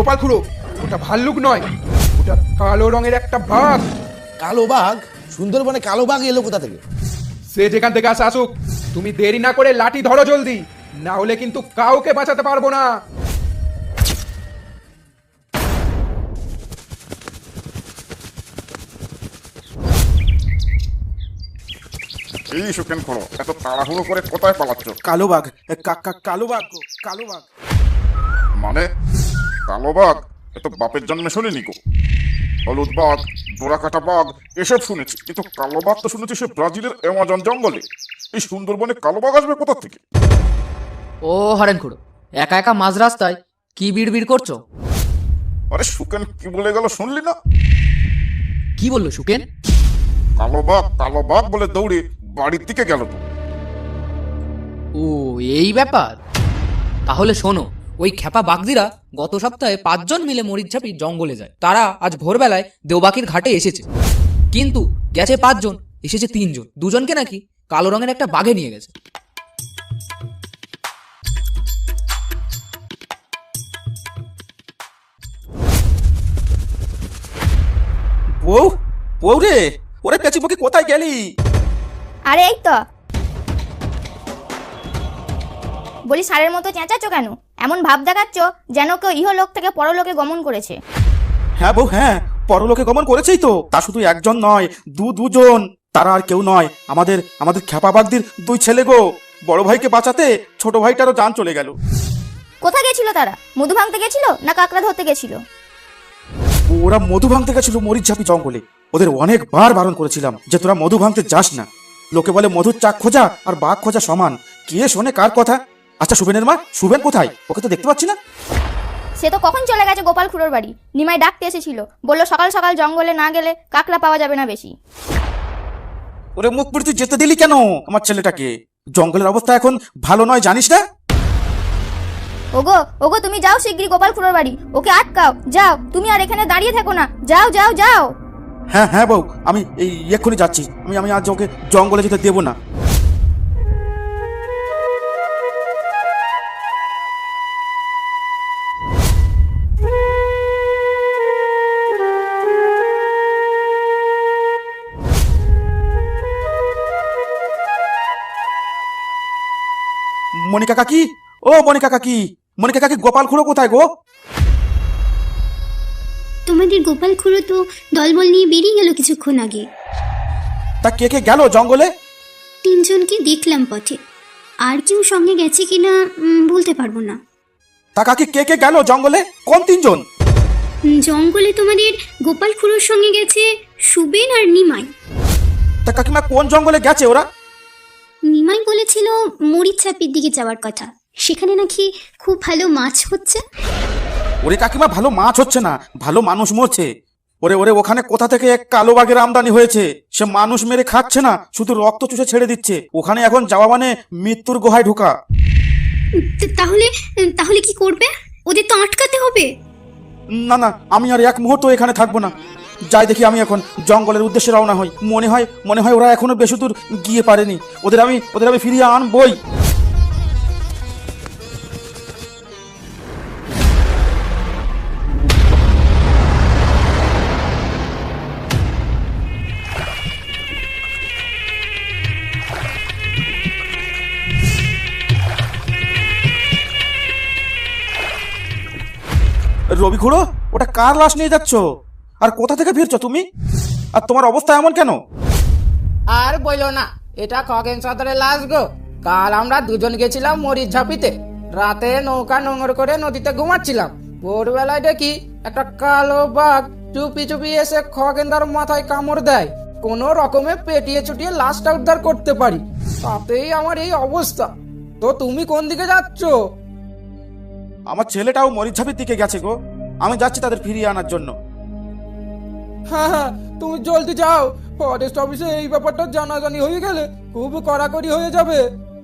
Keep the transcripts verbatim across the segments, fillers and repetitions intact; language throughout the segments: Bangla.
গোপাল খুড়ো, ওটা ভাল্লুক নয়, ওটা কালো রঙের একটা বাঘ। কালো বাঘ? সুন্দরবনে কালো বাঘ এলো কোথা থেকে? সে যেখান থেকে আসে আসুক, তুমি দেরি না করে লাঠি ধরো জলদি, না হলে কিন্তু কাউকে বাঁচাতে পারবো না। এই সুকেন খোলো, এত তাড়াহুড়ো করে কোথায় পালাচ্ছ? কালো বাঘ, কা- কা- কালো বাঘ গো, কালো বাঘ। মানে কালো বাঘ? এত বাপের জন্মে শুনিনি গো। হলুদ বাঘ, ডোরাকাটা বাঘ এসব শুনেছি, কিন্তু কালো বাঘ তো শুনেছি সে ব্রাজিলের অ্যামাজন জঙ্গলে। এই সুন্দরবনে কালো বাঘ আসবে কোথা থেকে? ও হরেন খুড়ো, একা একা মাঝ রাস্তায় কি বিড়বিড় করছো? আরে সুকেন কি বলে গেল শুনলি না? কি বললো সুকেন? কালো বাঘ কালো বাঘ বলে দৌড়ে বাড়ির দিকে গেল তো। ও এই ব্যাপার। তাহলে শোনো, ওই খেপা বাগদিরা গত সপ্তাহে পাঁচজন মিলে মরিচঝাপি জঙ্গলে যায়। তারা আজ ভোরবেলায় দেওবাকির ঘাটে এসেছে, কিন্তু গেছে পাঁচজন, এসেছে তিনজন। দুজনকে নাকি কালো রঙের একটা বাঘে নিয়ে গেছে। বউ, বউ রে, ওরে পেঁচি মুখে কোথায় গেলি? আরে এই তো। বলি ষাঁড়ের মতো চেঁচাচ্ছ কেন? এমন ভাব দেখাচ্ছ যেন কেউ ইহলোক থেকে পরলোকে গমন করেছে। হ্যাঁ বউ, হ্যাঁ, পরলোকে গমন করেছেই তো। তা শুধু একজন নয়, দু দুজন। তারা আর কেউ নয়, আমাদের আমাদের খেপা বাগদির দুই ছেলে গো। বড় ভাইকে বাঁচাতে ছোট ভাইটারও জান চলে গেল। কোথায় গেছিল তারা? মধু ভাঙতে গেছিল না কাকড়া ধরতে গেছিল? ওরা মধু ভাঙতে গেছিল মরিচঝাপি জঙ্গলে। ওদের অনেকবার বারণ করেছিলাম যে তোরা মধু ভাঙতে যাস না। লোকে বলে মধুর চাক খোঁজা আর বাঘ খোঁজা সমান। কে শোনে কার কথা? আচ্ছা সুবেনের মা, সুবেন কোথায়? ওকে তো দেখতে পাচ্ছি না। সে তো কখন চলে গেছে গোপাল খুড়োর বাড়ি। নিমাই ডাকতে এসেছিল, বললো সকাল সকাল জঙ্গলে না গেলে কাকড়া পাওয়া যাবে না বেশি। ওরে মুখ পুড়ে তুই যেতে দিলি কেন আমার ছেলেটাকে? জঙ্গলের অবস্থা এখন ভালো নয়, জানিস না? ওগো ওগো, তুমি যাও শিগগিরই গোপাল খুড়োর বাড়ি, ওকে আটকাও। যাও, তুমি আর এখানে দাঁড়িয়ে থেকো না, যাও যাও যাও। হ্যাঁ হ্যাঁ বউ, আমি এই এক্ষুনি যাচ্ছি। আমি আমি আজ ওকে জঙ্গলে যেতে দেবো না। মনিকা কাকি, ও মনিকা কাকি, মনিকা কাকি, গোপাল খুড়ো কোথায় গো? তোমাদের গোপাল খুড়ো তো দলবল নিয়ে বেরিয়ে গেল কিছুক্ষণ আগে। তা কে কে গেল জঙ্গলে? তিনজনকে দেখলাম পথে, আর কেউ সঙ্গে গেছে কিনা উম, বলতে পারবো না। তা কাকি কে কে গেল জঙ্গলে? কোন তিনজন? উম, জঙ্গলে তোমাদের গোপাল খুড়োর সঙ্গে গেছে সুবেন আর নিমাই। তা কাকিমা কোন জঙ্গলে গেছে ওরা? নিমাই বলেছিল মরিচঝাপির দিকে যাওয়ার কথা, সেখানে নাকি খুব ভালো মাছ হচ্ছে। ওরে কাকিমা, ভালো মাছ হচ্ছে না, ভালো মানুষ মরছে। ওরে ওরে, ওখানে কোথা থেকে এক কালো বাঘের আমদানি হয়েছে। সে মানুষ মেরে খাচ্ছে না, শুধু রক্ত চুষে ছেড়ে দিচ্ছে। ওখানে এখন যাওয়া মানে মৃত্যুর গুহায় ঢোকা। তা- তাহলে তাহলে কি করবে? ওদের তো আটকাতে হবে। না না, আমি আর এক মুহূর্ত এখানে থাকবো না। যাই দেখি, আমি এখন জঙ্গলের উদ্দেশ্যে রওনা হই। মনে হয় মনে হয় ওরা এখনো বেশি দূর গিয়ে পারেনি। ওদের আমি ওদের আমি ফিরিয়ে আনবই। রবি খুড়ো, ওটা কার লাশ নিয়ে যাচ্ছ? আর কোথা থেকে ফিরছো তুমি? আর তোমার অবস্থা এমন কেন? আর বইলো না, এটা খগেন সদরের লাশ গো। কাল আমরা দুজন গেছিলাম মরিচ ঝাপিতে। রাতে নৌকা নোংর করে নদীতে ঘুমাচ্ছিলাম। ভোরবেলায় দেখি একটা কালো বাঘ চুপি চুপি এসে খগেনদার মাথায় কামড় দেয়। কোনো রকমে পেটিয়ে চুটিয়ে লাশটা উদ্ধার করতে পারি, তাতেই আমার এই অবস্থা। তো তুমি কোন দিকে যাচ্ছ? আমার ছেলেটাও মরিচঝাপির দিকে গেছে গো। আমি যাচ্ছি তাদের ফিরিয়ে আনার জন্য। হ্যাঁ হ্যাঁ, তুমি জলদি যাও। ফরেস্ট অফিসে এই ব্যাপারটা জানাজানি হয়ে গেলে খুব কড়াকড়ি হয়ে যাবে।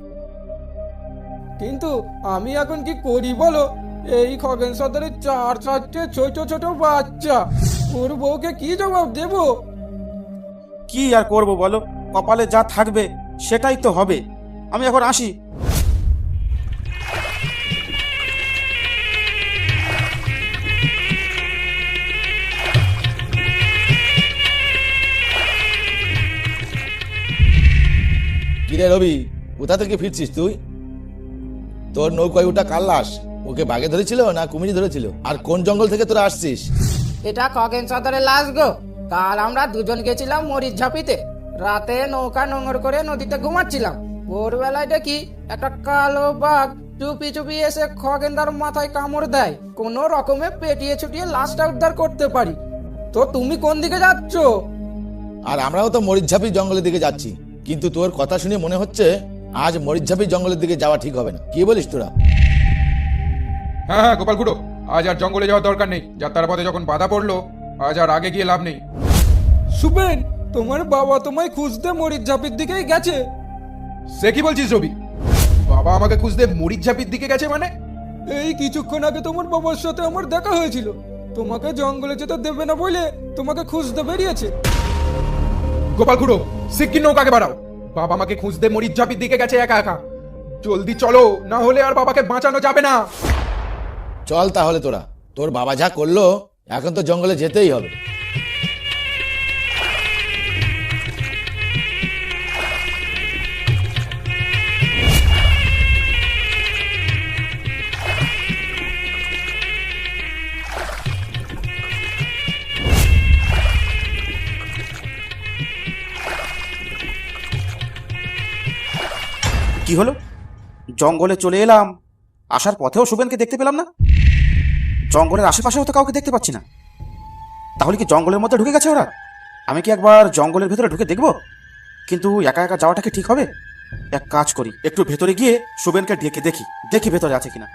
কিন্তু আমি এখন কি করি বলো? এই খগেন সদরের চার চারটে ছোট ছোট বাচ্চা, ওর বউকে কি জবাব দেব? কি আর করব বলো, কপালে যা থাকবে সেটাই তো হবে। আমি এখন আসি। কিরে রবি, কোথা থেকে ফিরছিস তুই? তোর নৌকায় ওটা কার লাশ? ওকে বাঘে ধরেছিল না কুমিরি ধরেছিল? আর কোন জঙ্গল থেকে তোরা আসছিস? এটা খগেন সদরের লাশ গো। কাল আমরা দুজন গেছিলাম মরিচ ঝাপিতে। রাতে নৌকা নোংর করে নদীতে ঘুমাচ্ছিলাম। ভোরবেলায় দেখি একটা কালো বাঘ চুপি চুপি এসে খগেনদার মাথায় কামড় দেয়। কোনো রকমে পেটিয়ে ছুটিয়ে লাশটা উদ্ধার করতে পারি। তো তুমি কোন দিকে যাচ্ছ? আর আমরাও তো মরিচঝাপি জঙ্গলের দিকে যাচ্ছি, কিন্তু তোর কথা শুনে মনে হচ্ছে আজ মরিচঝাপি জঙ্গলের দিকে যাওয়া ঠিক হবে না। কি বলিস তোরা? হ্যাঁ হ্যাঁ গোপাল খুড়ো, আজ আর জঙ্গলে যাওয়ার দরকার নেই। যাত্রার পথে যখন বাধা পড়লো, আজ আর আগে গিয়ে লাভ নেই। সুবেন, তোমার বাবা তোমায় খুঁজতে মরিচ ঝাপির দিকেই গেছে। সে কি বলছিস রবি? বাবা আমাকে খুঁজতে মরিচ ঝাপির দিকে গেছে মানে? এই কিছুক্ষণ আগে তোমার বাবার সাথে আমার দেখা হয়েছিল। তোমাকে জঙ্গলে যেতে দেবে না বলে তোমাকে খুঁজতে বেরিয়েছে। গোপাল খুড়ো, সিকিম নৌকাকে বাড়াও। বাবা আমাকে খুঁজতে মরিচ ঝাপির দিকে গেছে একা একা। জলদি চলো, না হলে আর বাবাকে বাঁচানো যাবে না। চল তাহলে তোরা, তোর বাবা যা করলো এখন তো জঙ্গলে যেতেই হবে। কি হলো? জঙ্গলে চলে এলাম, আসার পথেও শুভেনকে দেখতে পেলাম না। জঙ্গলের আশেপাশেও তো কাউকে দেখতে পাচ্ছি না। তাহলে কি জঙ্গলের মধ্যে ঢুকে গেছে ওরা? আমি কি একবার জঙ্গলের ভেতরে ঢুকে দেখব? কিন্তু একা একা যাওয়াটা কি ঠিক হবে? এক কাজ করি, একটু ভেতরে গিয়ে শুভেনকে ডেকে দেখি দেখি ভেতরে আছে কিনা।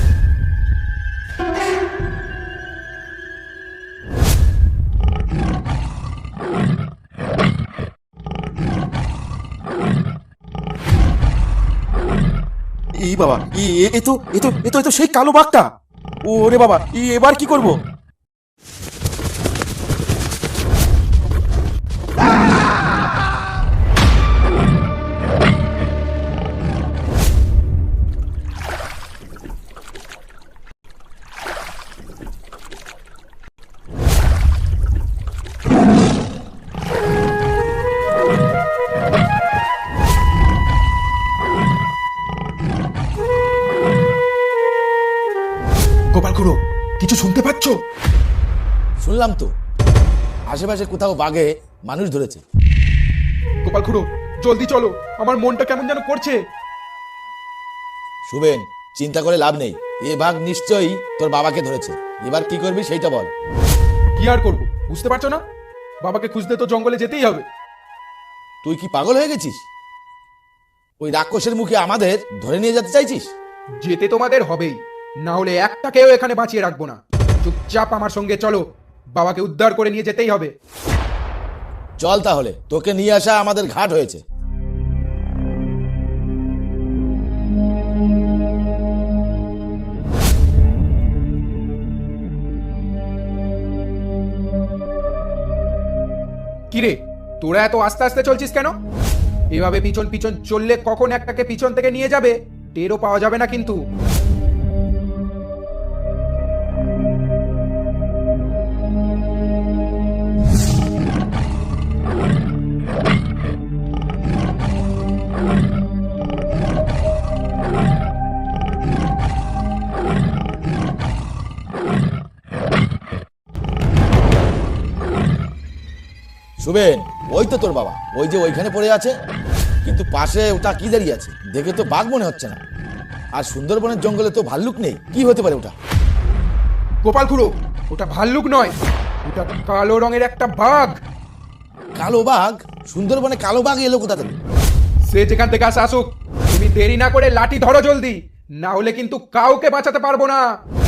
এই বাবা, এ- এ তো এ তো এ তো এ তো সেই কালো বাঘটা। ওরে বাবা, ই- এবার কি করব? গোপাল খুড়ো, কিছু শুনতে পাচ্ছ? শুনলাম তো, আশেপাশে কোথাও বাঘে মানুষ ধরেছে। গোপাল খুড়ো, জলদি চলো, আমার মনটা কেমন যেন করছে। শুভেন, চিন্তা করে লাভ নেই, এ বাঘ নিশ্চয়ই তোর বাবাকে ধরেছে। এবার কি করবি সেইটা বল। কি আর করবো, বুঝতে পারছো না? বাবাকে খুঁজতে তো জঙ্গলে যেতেই হবে। তুই কি পাগল হয়ে গেছিস? ওই রাক্ষসের মুখে আমাদের ধরে নিয়ে যেতে চাইছিস? যেতে তোমাদের হবেই, না হলে একটাকেও এখানে বাঁচিয়ে রাখবো না। চুপচাপ আমার সঙ্গে চলো, বাবাকে উদ্ধার করে নিয়ে যেতেই হবে। চল তাহলে, তোকে নিয়ে আসা আমাদের ঘাট হয়েছে। কিরে, তোরা এত আস্তে আস্তে চলছিস কেন? এভাবে পিছন পিছন চললে কখন একটাকে পিছন থেকে নিয়ে যাবে টেরও পাওয়া যাবে না কিন্তু। শুভেন, ওই তো তোর বাবা, ওই যে ওইখানে পড়ে আছে। কিন্তু পাশে ওটা কি দাঁড়িয়ে আছে? দেখে তো বাঘ মনে হচ্ছে না। আর সুন্দরবনের জঙ্গলে তো ভাল্লুক নেই, কি হতে পারে ওটা? গোপাল খুড়ো, ওটা ভাল্লুক নয়, ওটা কালো রঙের একটা বাঘ। কালো বাঘ? সুন্দরবনে কালো বাঘ এলো কোথা থেকে? সে যেখান থেকে আসে আসুক, তুমি দেরি না করে লাঠি ধরো জলদি, না হলে কিন্তু কাউকে বাঁচাতে পারবো না।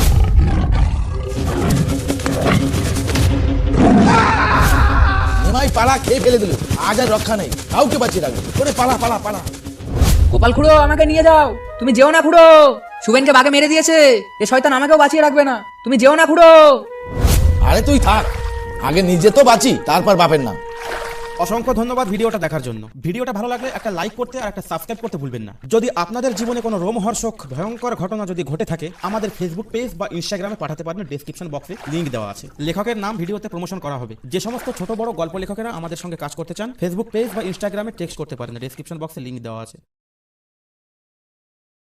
নিমাই পালা খেয়ে ফেলে দিল, আজ আর রক্ষা নেই, কাউকে বাঁচিয়ে রাখবে। ওরে পালা পালা পালা। গোপাল খুড়ো, আমাকে নিয়ে যাও। তুমি যেও না খুড়ো, শুভেনকে বাঘে মেরে দিয়েছে। এ শয়তান আমাকেও বাঁচিয়ে রাখবে না। তুমি যেও না খুড়ো। আরে তুই থাক, আগে নিজে তো বাঁচি, তারপর বাপের নাম। অসংখ্য ধন্যবাদ ভিডিওটা দেখার জন্য। ভিডিওটা ভালো লাগলে একটা লাইক করতে আর একটা সাবস্ক্রাইব করতে ভুলবেন না। যদি আপনাদের জীবনে কোনো রোমহর্ষক ভয়ঙ্কর ঘটনা যদি ঘটে থাকে আমাদের ফেসবুক পেজ বা ইনস্টাগ্রামে পাঠাতে পারেন, ডেসক্রিপশন বক্সে লিংক দেওয়া আছে। লেখকের নাম ভিডিওতে প্রমোশন করা হবে। যে সমস্ত ছোট বড় গল্প লেখকেরা আমাদের সঙ্গে কাজ করতে চান ফেসবুক পেজ বা ইনস্টাগ্রামে টেক্সট করতে পারেন, ডেসক্রিপশন বক্সে লিংক দেওয়া আছে।